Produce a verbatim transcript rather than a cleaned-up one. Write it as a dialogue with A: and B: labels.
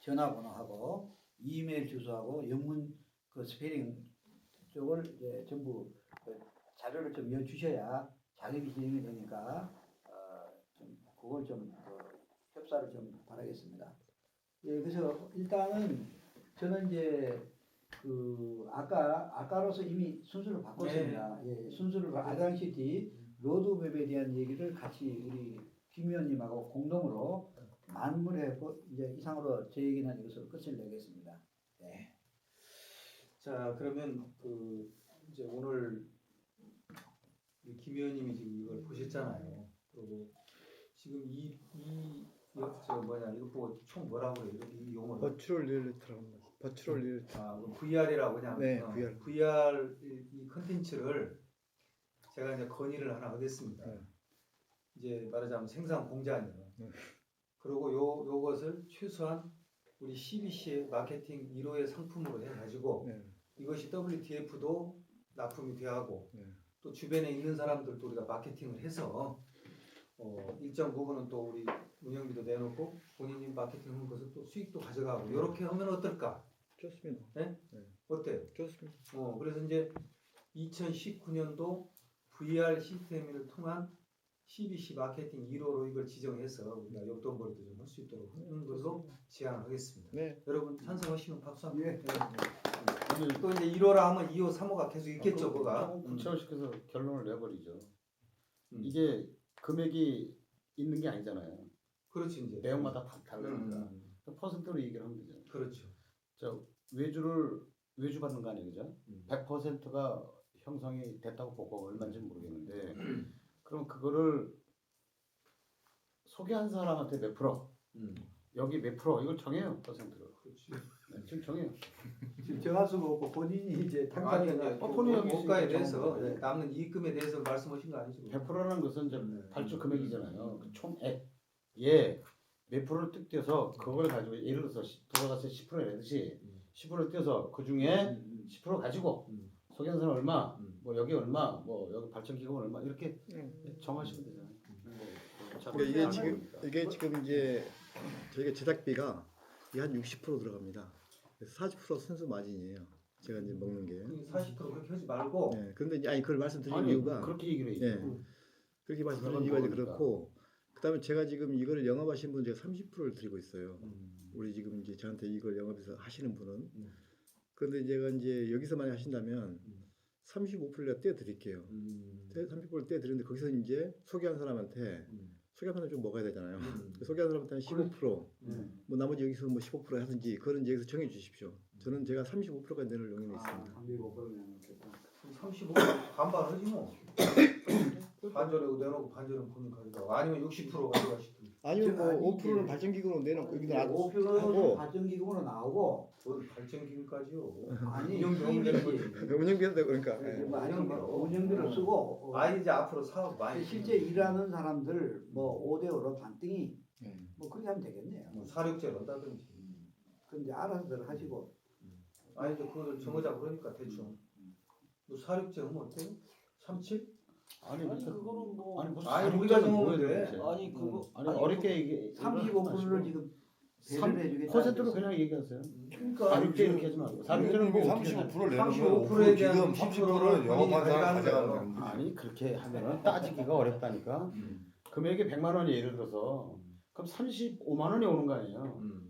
A: 전화번호하고 이메일 주소하고 영문 그 스페링 쪽을 이제 전부 그 자료를 좀 여주셔야 작업이 진행이 되니까 어, 좀 그걸 좀 어, 협사를 좀 바라겠습니다. 예, 그래서 일단은 저는 이제 그 아까 아까로서 이미 순서를 바꿨습니다. 네. 예, 순서를 아장시티 로드맵에 대한 얘기를 같이 우리 김 의원님하고 공동으로 만물해고 이제 이상으로 제 얘기는 이것으로 끝을 내겠습니다. 네.
B: 자, 그러면 그 이제 오늘 김 의원님이 지금 이걸 보셨잖아요. 그리고 지금 이이 저 뭐냐 이거 보고 총 뭐라고 그래요? 이 용어
C: 버추럴 리얼리티라고 합니다. 버추럴 리얼리티.
B: 아, 뭐 브이알이라고 그냥
C: 네,
B: 어,
C: 브이알.
B: 브이알 이 컨텐츠를 제가 이제 건의를 하나 하겠습니다.
C: 네.
B: 이제 말하자면 생산 공장이요.
C: 네.
B: 그리고 요 요것을 최소한 우리 씨비씨의 마케팅 일 호의 상품으로 해가지고
C: 네.
B: 이것이 더블유티에프도 납품이 되하고
C: 네.
B: 또 주변에 있는 사람들도 우리가 마케팅을 해서 어, 일정 부분은 또 우리 운영비도 내놓고 본인이 마케팅하는 것을 또 수익도 가져가고 이렇게 하면 어떨까?
C: 좋습니다.
B: 네?
C: 네.
B: 어때요?
C: 좋습니다.
B: 어, 그래서 이제 이천십구 년도 브이알 시스템을 통한 씨비씨 마케팅 일 호로 이걸 지정해서 우리가 용돈벌이도 좀 할 수 있도록 하는 걸로 제안하겠습니다.
C: 네.
B: 여러분 찬성하시면 박수 한번.
A: 예.
B: 네. 또 이제 일 호라 하면 이 호, 삼 호가 계속 있겠죠, 뭐가.
D: 조금 구체화시켜서 결론을 내버리죠.
B: 음.
D: 이게 금액이 있는 게 아니잖아요.
B: 그렇지 이제.
D: 내용마다 다 다르니까.
B: 음.
D: 퍼센트로 얘기를 하면 되죠.
B: 그렇죠.
D: 저 외주를 외주 받는 거 아니에요, 그죠?
B: 음.
D: 백 퍼센트가 형성이 됐다고 보고 얼마인지 모르겠는데, 그럼 그거를 소개한 사람한테 몇 프로?
B: 음.
D: 여기 몇 프로? 이걸 정해요, 퍼센트로.
B: 그렇지.
D: 네, 지금 정해요.
A: 지금 정할 수가 없고 본인이 이제
B: 아니 이제
A: 당장에
D: 어, 본의 아니게
B: 원가에
D: 지금
B: 대해서
D: 정한
A: 거예요.
B: 남는 이익금에 대해서 말씀하신 거 아니죠?
D: 백 퍼센트라는 것은 이제
B: 네.
D: 발주 금액이잖아요. 그 총액. 예. 몇 프로를 뚝 떼서 그걸 가지고 예를 들어서 부가가세 십 퍼센트 내듯이
B: 음.
D: 십 퍼센트 떼서 그 중에
B: 음.
D: 십 퍼센트 가지고
B: 음.
D: 소개한 사람 얼마,
B: 음.
D: 뭐 여기 얼마, 뭐 여기 발전기금 얼마 이렇게
C: 음.
D: 정하시면 되잖아요. 뭐, 참
C: 그러니까 이게 지금
D: 하니까.
C: 이게 지금 이제 저희가 제작비가 이게 한 육십 퍼센트 들어갑니다. 그래서 사십 퍼센트 순수 마진이에요. 제가 이제 먹는 게.
B: 그 사십 퍼센트 그렇게 하지 말고
C: 네. 그런데 이제 아니 그걸 말씀드린
D: 아니,
C: 이유가
D: 그렇게 얘기를 해야죠.
C: 네. 그렇게 말씀드린 이유가 이제 그렇고 그다음에 제가 지금 이거를 영업하신 분 제가 삼십 퍼센트를 드리고 있어요.
B: 음.
C: 우리 지금 이제 저한테 이걸 영업해서 하시는 분은.
B: 음.
C: 그런데 제가 이제 여기서 많이 하신다면
B: 음.
C: 삼십오 퍼센트 내가 떼드릴게요.
B: 음.
C: 삼십 퍼센트 떼드리는데 거기서 이제 소개한 사람한테
B: 음.
C: 소개한 사람 좀 먹어야 되잖아요.
B: 음.
C: 소개한 사람한테 한 십오 퍼센트
B: 음.
C: 뭐 나머지 여기서 뭐 십오 퍼센트 하든지 그거는 이제 여기서 정해 주십시오. 저는 제가 삼십오 퍼센트까지 내놓을 용의는 있습니다.
A: 삼십오 퍼센트면 좋겠다.
B: 삼십오 반반하지 뭐. 반절하고 내놓고 반절은 본인 가져가고 아니면 육십 퍼센트 가져가시든.
C: 아니면 뭐
A: 아니,
C: 오 퍼센트는
A: 이게-
C: 발전기금으로 내놓고 여기다 놔두고
A: 오 퍼센트 발전기금으로 나오고
B: 뭘 발전기금까지요.
A: 아니
B: 운영비용을 내는 거지.
C: 운영비도 되고 그러니까
A: 이제
C: 예.
A: 뭐 아니 뭐
B: 운영비로.
A: 운영비를 쓰고 어,
B: 아 이제 앞으로 사업 많이
A: 실제 일하는 사람들 뭐 오 대 오로 반등이
C: 음.
A: 뭐 그렇게 하면 되겠네요.
B: 뭐 사육제를 한다든지.
A: 그럼 이제 알아서들 하시고
B: 아니 이제 그걸 정하자 그러니까 대충. 뭐 사육제 하면 어때요? 삼칠?
D: 아니,
E: 아니
D: 무슨
E: 그거는 뭐
D: 아니 무슨
B: 아니,
D: 사육자는
B: 우리가
D: 뭐예요,
B: 정하는데.
D: 도대체?
E: 아니 그거
D: 아니,
E: 아니,
D: 어렵게 얘기
A: 삼십오 퍼센트를 지금 배를 해주겠다.
D: 퍼센트로 그냥 얘기하세요.
B: 그러니까
D: 사육제 이렇게 하지 말고 사육제는 뭐 어떻게
F: 삼십오 퍼센트
B: 삼십오
F: 내놓으면
B: 퍼센트에 대한
F: 지금
B: 육십
F: 삼십
B: 퍼센트는
F: 퍼센트는 영업한 사람
B: 본인이 가져가는
F: 가져가는 거지.
D: 아니 그렇게 하면은 따지기가 어렵다니까. 금액이 백만 원이 예를 들어서 그럼 삼십오만 원이 오는 거 아니에요.
B: 음.